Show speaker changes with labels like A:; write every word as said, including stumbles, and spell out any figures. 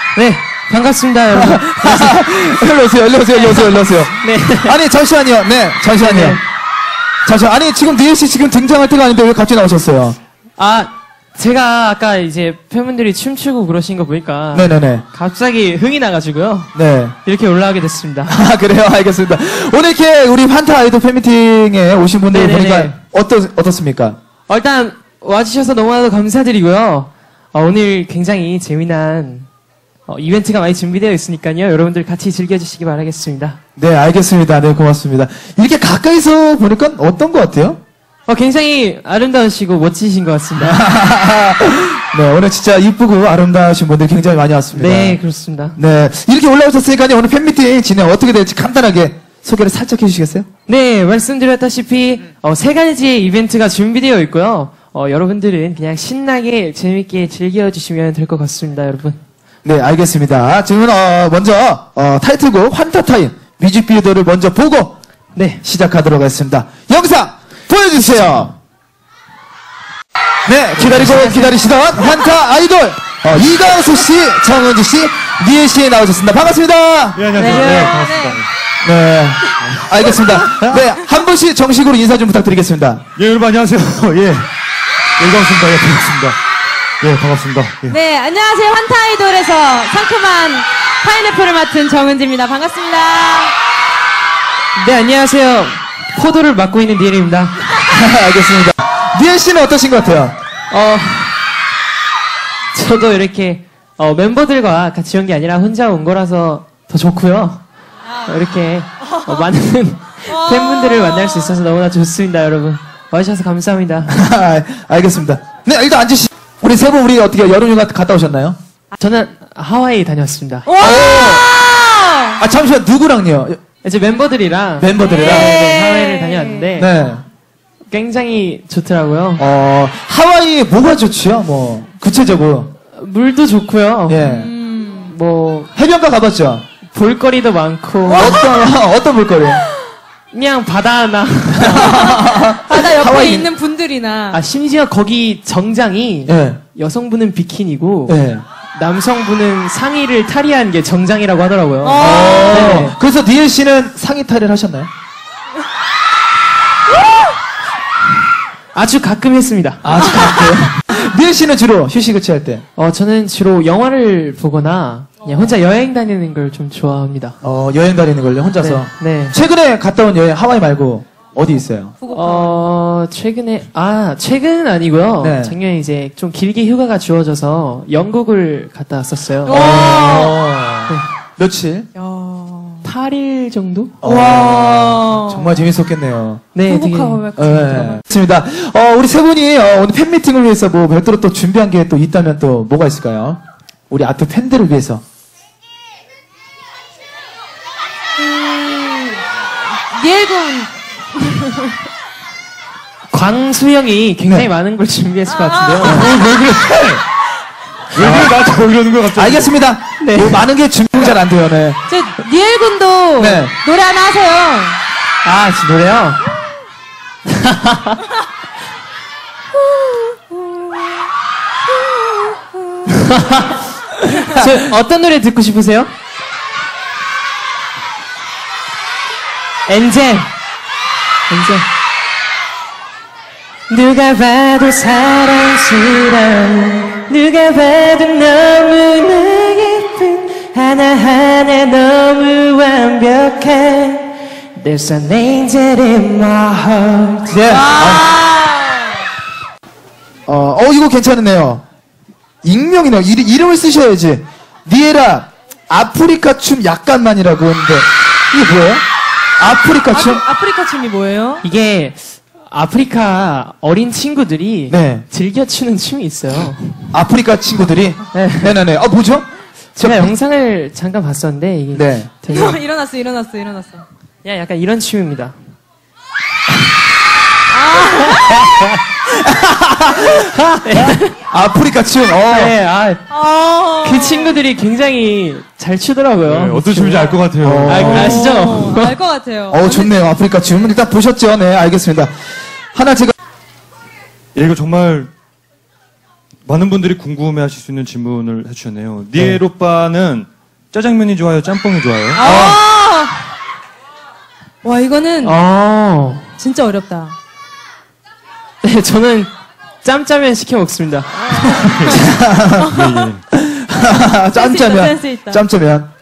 A: 네, 반갑습니다, 여러분.
B: 일로 오세요, 일로 오세요, 일로 오세요, 일로 오세요.
A: 네.
B: 아니, 잠시만요. 네, 잠시만요.
A: 네.
B: 잠시만. 아니, 지금 니엘 씨 지금 등장할 때가 아닌데 왜 갑자기 나오셨어요?
A: 아, 제가 아까 이제 팬분들이 춤추고 그러신 거 보니까.
B: 네네네.
A: 갑자기 흥이 나가지고요.
B: 네.
A: 이렇게 올라가게 됐습니다.
B: 아, 그래요? 알겠습니다. 오늘 이렇게 우리 환타 아이돌 팬미팅에 오신 분들
A: 네네네.
B: 보니까 어떠, 어떻습니까?
A: 어, 일단, 와주셔서 너무나도 감사드리고요. 어, 오늘 굉장히 재미난 어, 이벤트가 많이 준비되어 있으니까요. 여러분들 같이 즐겨주시기 바라겠습니다.
B: 네, 알겠습니다. 네, 고맙습니다. 이렇게 가까이서 보니까 어떤 것 같아요?
A: 어, 굉장히 아름다우시고 멋지신 것 같습니다.
B: 네, 오늘 진짜 이쁘고 아름다우신 분들 굉장히 많이 왔습니다.
A: 네, 그렇습니다.
B: 네, 이렇게 올라오셨으니까요. 오늘 팬미팅 진행 어떻게 될지 간단하게 소개를 살짝 해주시겠어요?
A: 네, 말씀드렸다시피 어, 세 가지 이벤트가 준비되어 있고요. 어, 여러분들은 그냥 신나게 재밌게 즐겨주시면 될 것 같습니다, 여러분.
B: 네, 알겠습니다. 지금은 어, 먼저 어, 타이틀곡 환타타임 뮤직비디오를 먼저 보고
A: 네,
B: 시작하도록 하겠습니다. 영상 보여주세요. 네, 기다리고 기다리시던 환타 아이돌 어, 이강수 씨, 정은지 씨, 니엘 씨 나오셨습니다. 반갑습니다.
C: 네, 안녕하세요.
A: 네,
C: 네, 반갑습니다.
B: 네, 알겠습니다. 네, 한 분씩 정식으로 인사 좀 부탁드리겠습니다.
C: 예, 여러분 안녕하세요. 예. 예, 반갑습니다. 예, 반갑습니다. 예, 반갑습니다. 예.
D: 네, 안녕하세요. 환타 아이돌에서 상큼한 파인애플을 맡은 정은지입니다. 반갑습니다.
A: 네, 안녕하세요. 포도를 맡고 있는 니엘입니다.
B: 알겠습니다. 니엘 씨는 어떠신 것 같아요?
A: 어, 저도 이렇게 어, 멤버들과 같이 온 게 아니라 혼자 온 거라서 더 좋고요. 어, 이렇게 어, 많은 팬분들을 만날 수 있어서 너무나 좋습니다, 여러분. 와주셔서 감사합니다.
B: 알겠습니다. 네, 일단 앉으시. 우리 세 분 우리 어떻게 여름휴가 갔다 오셨나요?
A: 저는 하와이 다녀왔습니다.
D: 와!
B: 아, 잠시만, 누구랑요?
A: 이제 멤버들이랑
B: 멤버들이랑?
A: 네, 네, 하와이를 다녀왔는데
B: 네.
A: 굉장히 좋더라고요.
B: 어, 하와이에 뭐가 좋지요? 뭐, 구체적으로.
A: 물도 좋고요.
B: 예.
A: 뭐
B: 해변가 가봤죠?
A: 볼거리도 많고
B: 어떤, 어떤 볼거리?
A: 그냥 바다 하나.
D: 바다 옆에
B: 하와이.
D: 있는 분들이나.
A: 아, 심지어 거기 정장이
B: 예.
A: 여성분은 비키니고
B: 예.
A: 남성분은 상의를 탈의한 게 정장이라고 하더라고요.
D: 어.
A: 네.
B: 그래서 니엘 씨는 상의 탈의를 하셨나요?
A: 아주 가끔 했습니다.
B: 아직 안 돼요. 니엘 씨는 주로 휴식을 취할 때,
A: 어, 저는 주로 영화를 보거나 그냥 혼자 여행 다니는 걸 좀 좋아합니다.
B: 어, 여행 다니는 걸요, 혼자서.
A: 네. 네.
B: 최근에 갔다 온 여행, 하와이 말고, 어디 있어요?
A: 어, 최근에, 아, 최근은 아니고요.
B: 네.
A: 작년에 이제 좀 길게 휴가가 주어져서 영국을 갔다 왔었어요.
B: 어, 며칠?
A: 팔 일 정도?
B: 와. 정말 재밌었겠네요.
A: 네, 되게.
B: 네. 좋습니다. 어, 우리 세 분이 어, 오늘 팬미팅을 위해서 뭐 별도로 또 준비한 게 또 있다면 또 뭐가 있을까요? 우리 아트 팬들을 위해서.
D: 니엘군.
A: 광수형이 굉장히
B: 네.
A: 많은 걸 준비했을 것 같은데요.
C: 왜 그래? 왜 그래? 나한테 뭐 이러는 거야, 갑자기?
B: 알겠습니다.
A: 네.
B: 뭐 많은 게 준비가 잘 안 돼요, 네.
D: 저 니엘군도
B: 네.
D: 노래 하나 하세요.
A: 아, 지 노래요? 저 어떤 노래 듣고 싶으세요? 엔젤. 엔젤. 누가 봐도 사랑스러운, 누가 봐도 너무나 예쁜, 하나하나 너무 완벽한 There's an angel in my heart.
B: 네. 어, 어, 이거 괜찮으네요. 익명이네요. 이리, 이름을 쓰셔야지. 니에라, 아프리카 춤 약간만이라고 했는데, 이게 뭐예요? 아프리카 춤?
D: 아, 아프리카 춤이 뭐예요?
A: 이게 아프리카 어린 친구들이
B: 네.
A: 즐겨 추는 춤이 있어요.
B: 아프리카 친구들이?
A: 네.
B: 네네네. 아, 뭐죠?
A: 제가
B: 저-
A: 영상을 잠깐 봤었는데 이게
B: 네.
A: 되게
D: 일어났어, 일어났어, 일어났어.
A: 그냥 약간 이런 춤입니다.
B: 아프리카 춤, 어.
A: 네, 아,
D: 어.
A: 그 친구들이 굉장히 잘 추더라고요.
C: 네, 어떤 춤인지 알 것 같아요.
B: 어.
A: 아, 아시죠?
D: 알것 같아요.
B: 어, 좋네요. 아프리카 춤. 일단 보셨죠? 네, 알겠습니다. 하나 제가,
C: 예, 이거 정말 많은 분들이 궁금해하실 수 있는 질문을 해주셨네요. 니엘 오빠는 짜장면이 좋아요, 짬뽕이 좋아요?
D: 아! 와, 이거는
A: 어.
D: 진짜 어렵다.
A: 네, 저는 짬짜면 시켜 먹습니다.
C: 예, 예.
B: 짬짜면.
D: 센스 있다.
B: 짬짜면.